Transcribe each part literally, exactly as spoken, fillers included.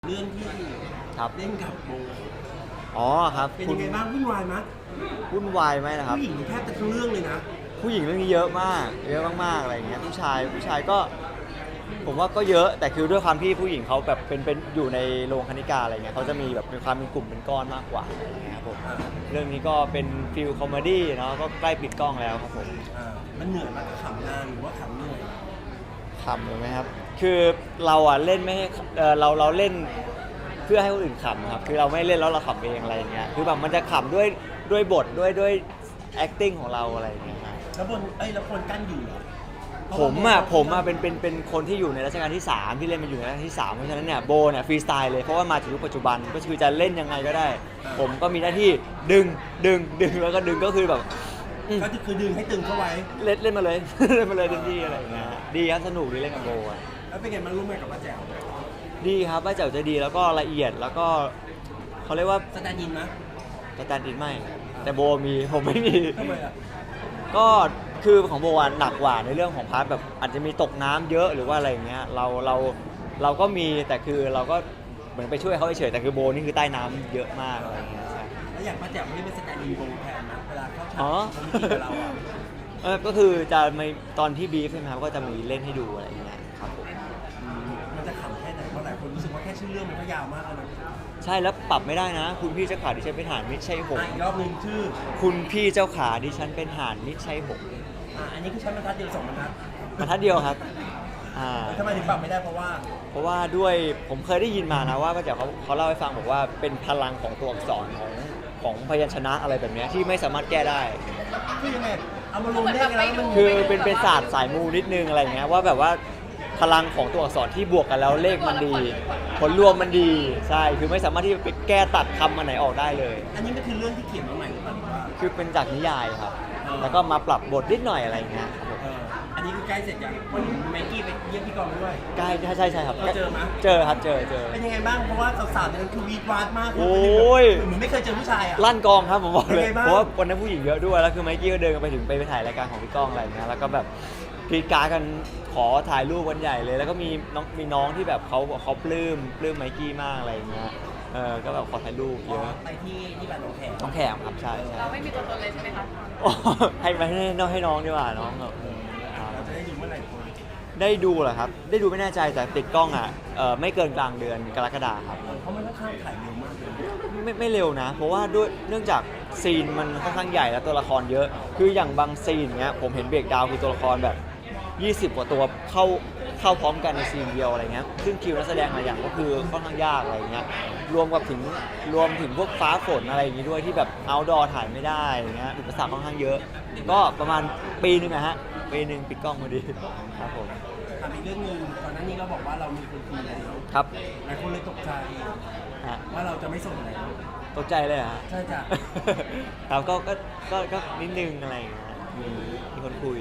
เรื่องที่ครับเล่นกับโบอ๋อครับเป็นคุยัณงไงบ้างวุ่นวายไหมวุ่นวายไหมนะครับผู้หญิงแทบจะทั้งเรื่องเลยนะผู้หญิงเรื่องนี้เยอะมากเยอะมากๆอะไรอย่างเงี้ยผู้ชายผู้ชายก็ผมว่าก็เยอะแต่คือด้วยความที่ผู้หญิงเขาแบบเป็นเป็นอยู่ในโรงคณิกาอะไรเงี้ยเขาจะมีแบบมีความเป็นกลุ่มเป็นก้อนมากกว่าอะไรเงี้ยครับผมอ่าเรื่องนี้ก็เป็นฟิลคอมเมดี้เนาะก็ใกล้ปิดกล้องแล้วครับผมอ่ามันเหนื่อยมากขำนานหรือว่าขำเหนื่อยขำเลยไหมครับคือเราอ่ะเล่นไม่ให้เออเราเราเล่นเพื่อให้คนอื่นขำครับคือเราไม่เล่นแล้วเราขำเองอะไรอย่างเงี้ยคือแบบมันจะขำด้วยด้วยบทด้วยด้วย acting ของเราอะไรอย่างเงี้ยครับแล้วบนเอ้ยแล้วคนกั้นอยู่เหรอผมอ่ะผมอ่ะเป็นเป็นเป็นคนที่อยู่ในรัชกาลที่สามที่เล่นมาอยู่ในรัชกาลที่สามเพราะฉะนั้นเนี่ยโบเนี่ยฟรีสไตล์เลยเพราะว่ามาถึงยุคปัจจุบันก็คือจะเล่นยังไงก็ได้ ผมก็มีหน้าที่ดึงดึงดึงแล้วก็ดึงก็คือแบบอืมก็คือดึงให้ตึงเข้าไว้เล่นเล่นมาเลย เล่นมาเลยเต็มที่อะไรอย่างเงี้ยดีครับสนุกดีเล่นกับโบอ่ะแล้วเป็นไงมันร่วมงานกับป้าแจ๋วดีครับป้าแจ๋วจะดีแล้วก็ละเอียดแล้วก็เขาเรียกว่าสแตนด์อินนะสแตนด์อินไม่แต่โบมีผมไม่มีทำไมอ่ะก็คือของโบอ่ะหนักกว่าในเรื่องของพาร์ทแบบอาจจะมีตกน้ำเยอะหรือว่าอะไรอย่างเงี้ยเราเราเราก็มีแต่คือเราก็เหมือนไปช่วยเขาเฉยๆแต่คือโบนี่คือใต้น้ำเยอะมากอะไรอย่างเงี้ยใช่แล้วอย่างป้าแจ๋วไม่ได้เป็นสแตนด์อินโบแทนนะเวลาเข้าฉากอ๋อเขาไม่กินกับเราอ่ะเออก็คือจะมีตอนที่บีฟใช่ไหมครับก็จะมีเล่นให้ดูอะไรอย่างเงี้ยครับผมอืมมันจะขำแค่ไหนเพราะหลายคนรู้สึกว่าแค่ชื่อเรื่องมันก็ยาวมากแล้วนะใช่แล้วปรับไม่ได้นะ คุณพี่เจ้าขาดิฉันเป็นห่านไม่ใช่หงอ่ะส์อีกรอบหนึ่งชื่อคุณพี่เจ้าขาดิฉันเป็นห่านไม่ใช่หงส์อ่ะอันนี้คือใช้บรรทัดเดียวสองบรรทัดบรรทัดเดียวครับอ่าทำไมถึงปรับไม่ได้เพราะว่าเพราะว่าด้วยผมเคยได้ยินมานะว่าป้าแจ๋วเขาเขาเล่าให้ฟังบอกว่าเป็นพลังของตัวอักษรของของพยัญชนะอะไรแบบเนี้ยที่ไม่สามารถแก้ได้คือยังไงเอามารวมได้กันแล้วมันคือเป็นเป็นศาสตร์สายมูนิดนึงอะไรเงี้ยว่าแบบว่าพลังของตัวอักษรที่บวกกันแล้วเลขมันดี ผลรวมมันดีใช่คือไม่สามารถที่จะไปแก้ตัดคำอันไหนออกได้เลยอันนี้มันคือเรื่องที่เขียนมาใหม่หรือเปล่าหรือว่าคือเป็นจากนิยายครับอ๋อแล้วก็มาปรับบทนิดหน่อยอะไรเงี้ยครับผมเอออันนี้คือใกล้เสร็จยังวันนี้ไมกี้ไปเยี่ยมพี่กองด้วยใกล้ใช่ใช่ใช่ครับเราเจอไหมเจอครับเจอเจอเป็นยังไงบ้าง เพราะว่าสาวๆเนี่ยคือวีดวาดมากโอ้ยเหมือนไม่เคยเจอผู้ชายอ่ะลั่นกองครับผมบอกเลยเป็นไงบ้างเพราะว่าวันนั้นผู้หญิงเยอะด้วยแล้วคือไมค์กี้ก็เดินกันไปถึงไปไปถ่ายรายการของพี่ก้องอะไรเงี้ยแล้วก็แบบกรีดกรารกันขอถ่ายรูปกันใหญ่เลย แล้วก็มีน้องมีน้องที่แบบเขาเขาปลื้มปลื้มไมค์กี้มากอะไรเงี้ยเออก็แบบขอถ่ายรูปเยอะไปที่ที่บ้านหนองแขมน้องแขมครับใช่ใช่เราไม่มีตัวตนเลยใช่ไหมคะโอ้ให้ไปให้น้องให้น้องดีกว่าน้องแบบครับเราจะได้ดูเมื่อไหร่คนได้ดูเหรอครับได้ดูไม่แน่ใจแต่ติดกล้องอ่ะเออไม่เกินกลางเดือนกรกฎาคมครับเพราะมันค่อนข้างถ่ายเร็วมากเลยไม่ไม่เร็วนะ เพราะว่าด้วยเนื่องจากซีนมันค่อนข้างใหญ่และตัวละครเยอะ คืออย่างบางซีนเนี้ยผมเห็นเบรกดาวน์คือตัวละครแบบ ยี่สิบ กว่าตัวเข้าเข้าพร้อมกันในซีนเดียวอะไรเงี้ยซึ่งคิวนักแสดงหลายอย่างก็คือค่อนข้างยากอะไรเงี้ยรวมกับถึงรวมถึงพวกฟ้าฝนอะไรอย่างงี้ด้วยที่แบบเอาดอถ่ายไม่ได้อย่างเงี้ยอุปสรรคค่อนข้างเยอะ ก็ประมาณปีหนึงนะฮะปีหนึ่งปิดกล้องพอดีครับผมถามอีกเรื่องหนึงก่อนหน้านี้เราบอกว่าเรามีคนคุยแล้วครับหลายคนเลยตกใจฮะว่าเราจะไม่ส่งแล้วตกใจเลยเหรอฮะใช่จ้ะครับก็ก็ก็ก็นิดนึงอะไรอย่างเงี้ยมีมีคนคุย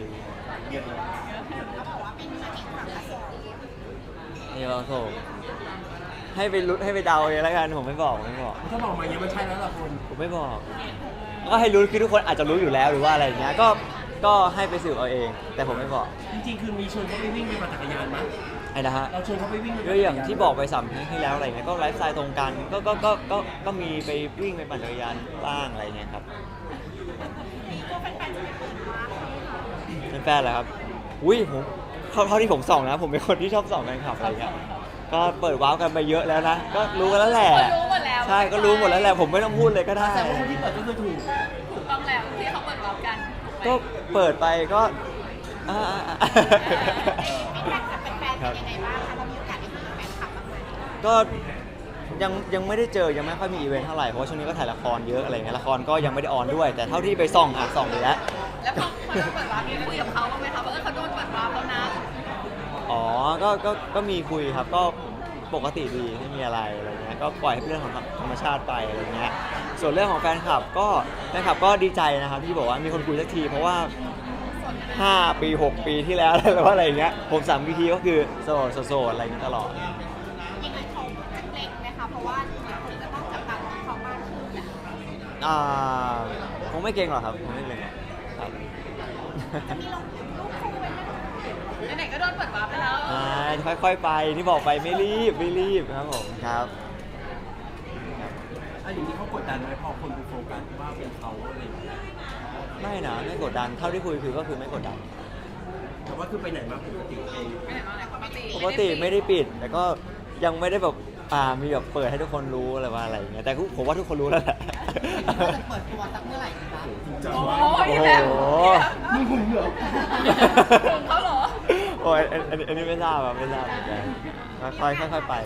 เดี๋ยวโถให้ไปรุ้นให้ไปเดาเองแล้วกันผมไม่บอกผมไม่บอกถ้าบอกมาอย่างนี้มันใช่แล้วล่ะคนผมไม่บอกก็ให้รู้คือทุกคนอาจจะรู้อยู่แล้วหรือว่าอะไรอย่างเงี้ยก็ก็ให้ไปสืบเอาเอง แต่ผมไม่บอกจริงๆคือมีชวนเขาไปวิ่งไปปั่นจักรยานมั้ยไอ้นะฮะเราชวนเขาไปวิ่งไปปั่นก็จักรอย่างนที่บอกไปสามครั้งที่แล้วอะไรเงี้ยก็ไลฟ์สไตล์ตรงกันก็ก็ก็ก็ก็มีไปวิ่งไปปั่นจักรยานบ้างอะไรเงี้ยครับเป็นแฟนเหรอครับอุ้ยผมเท่าเท่าที่ผมส่องนะผมเป็นคนที่ชอบส่องแฟนคลับอะไรเงี้ยก็เปิดว้าวกันไปเยอะแล้วนะก็รู้กันแล้วแหละรู้หมดแล้วใช่ก็รู้หมดแล้วแหละผมไม่ต้องพูดเลยก็ได้แต่ว่าคนที่เปิดก็คือถูกถูกต้องแล้วที่เขาเปิดรับกันก็เปิดไปก็อ่าครับก็ยังยังไม่ได้เจอยังไม่ค่อยมีอีเวนต์เท่าไหร่เพราะว่าช่วงนี้ก็ถ่ายละครเยอะอะไรเงี้ยละครก็ยังไม่ได้ออนด้วย แต่เท่าที่ไปส่องอ่ะส่องอยู่แล้วแล้วพอเขาโดนเปิดรับมีคุยกับเขาบ้างไหมคะว่าเออเขาโดนเปิดรับแล้วนะอ๋อก็ก็ก็มีคุยครับก็ปกติดีไม่มีอะไรอะไรเงี้ยก็ปล่อยให้เป็นเรื่องของธรรมชาติไปอะไรเงี้ยส่วนเรื่องของแฟนคลับก็แฟนคลับก็ดีใจนะครับที่บอกว่ามีคนคุยสักทีเพราะว่าห้าปีหกปีที่แล้วหรือว่าอะไรอย่างเงี้ยผมสามปีทีก็คือโสดโสดอะไรอย่างเงี้ยตลอดยังไงเขาจะเกรงไหมคะเพราะว่าคนจะต้องจับตามองเขามากขึ้นเนี่ยอ่าคงไม่เก่งหรอกครับคงไม่เก่งครับจะมีลงรูปคู่ไว้ไหมคะไหนๆก็โดนเปิดวาร์ปไปแล้วอ่าค่อยๆไปที่บอกไปไม่รีบไม่รีบครับผมครับอันนี้เขากดดันไหมพอคนไปโฟกัสว่าเป็นเขาอะไรอย่างเงี้ยไม่นะไม่กดดันเท่าที่คุยคือก็คือไม่กดดันแต่ว่าคือไปไหนมาปกติเองไม่ไหนมาไหนปกติปกติไม่ได้ปิด แต่ก็ยังไม่ได้แบบอ่ามีแบบเปิดให้ทุกคนรู้อะไรว่าอะไรอย่างเงี้ยแต่ผมว่าทุกคนรู้แล้วแหละจะเปิดตัวสักเมื่อไหร่ดีคะจริงจังโอ้มากยโอ้แบบโหมึงหึงเหรอถึงเขาเหรอโอ้ยอันอันอันนี้ไม่ทราบอะไม่ทราบเหมือนกันค่อยๆค่อยๆไป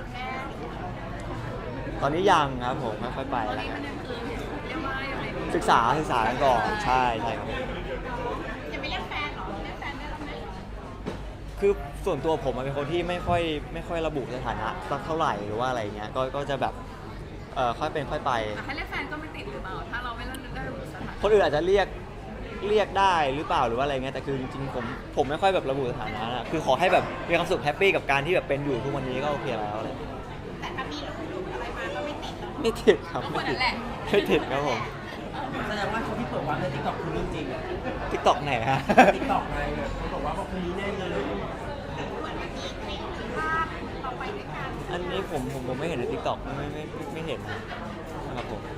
ตอนนี้ยังครับผมค่อยๆไปตอนแล้วนี้กัมัน นยังคือเรียกว่ายังไงดีศึกษาศึกษากันก่อนใช่ใช่ครับยังไม่เรียกแฟนเหรอเรียกแฟนได้แล้วไหมคือส่วนตัวผมอะเป็นคนที่ไม่ค่อยไม่ค่อยระบุสถานะสักเท่าไหร่หรือว่าอะไรเงี้ยก็ก็จะแบบเอ่อค่อยเป็นค่อยไปแต่ให้เรียกแฟนก็ไม่ติดหรือเปล่าถ้าเราไม่ได้ได้ระบุสถานะคนอื่นอาจจะเรียกเรียกได้หรือเปล่าหรือว่าอะไรเงี้ยแต่คือจริงๆผมผมไม่ค่อยแบบระบุสถานะนะคือขอให้แบบมีความสุขแฮปปี้กับการที่แบบเป็นอยู่ทุกวันนี้ก็โอเคแล้วอะไรเงี้ยแต่ถ้ามีลูกหลุดอะไรมาก็ไม่ติดหรอกไม่ติดครับก็คไม่นตินั้ดนแหละไม่ติดครับผมแสดงว่าคนที่เปิดวาร์ปในทิกตอกคือเรื่องจริงอะทิกตอกไหนฮะทิกตอกไงเขาบอกว่าพวกคนนี้แน่เลยเหมือนมันมีคลิปหรือภาพเราไปด้วยกันอันนี้ผมผมผมไม่เห็นในทิกตอกไม่ไม่ไม่ไม่เห็นนะครับผม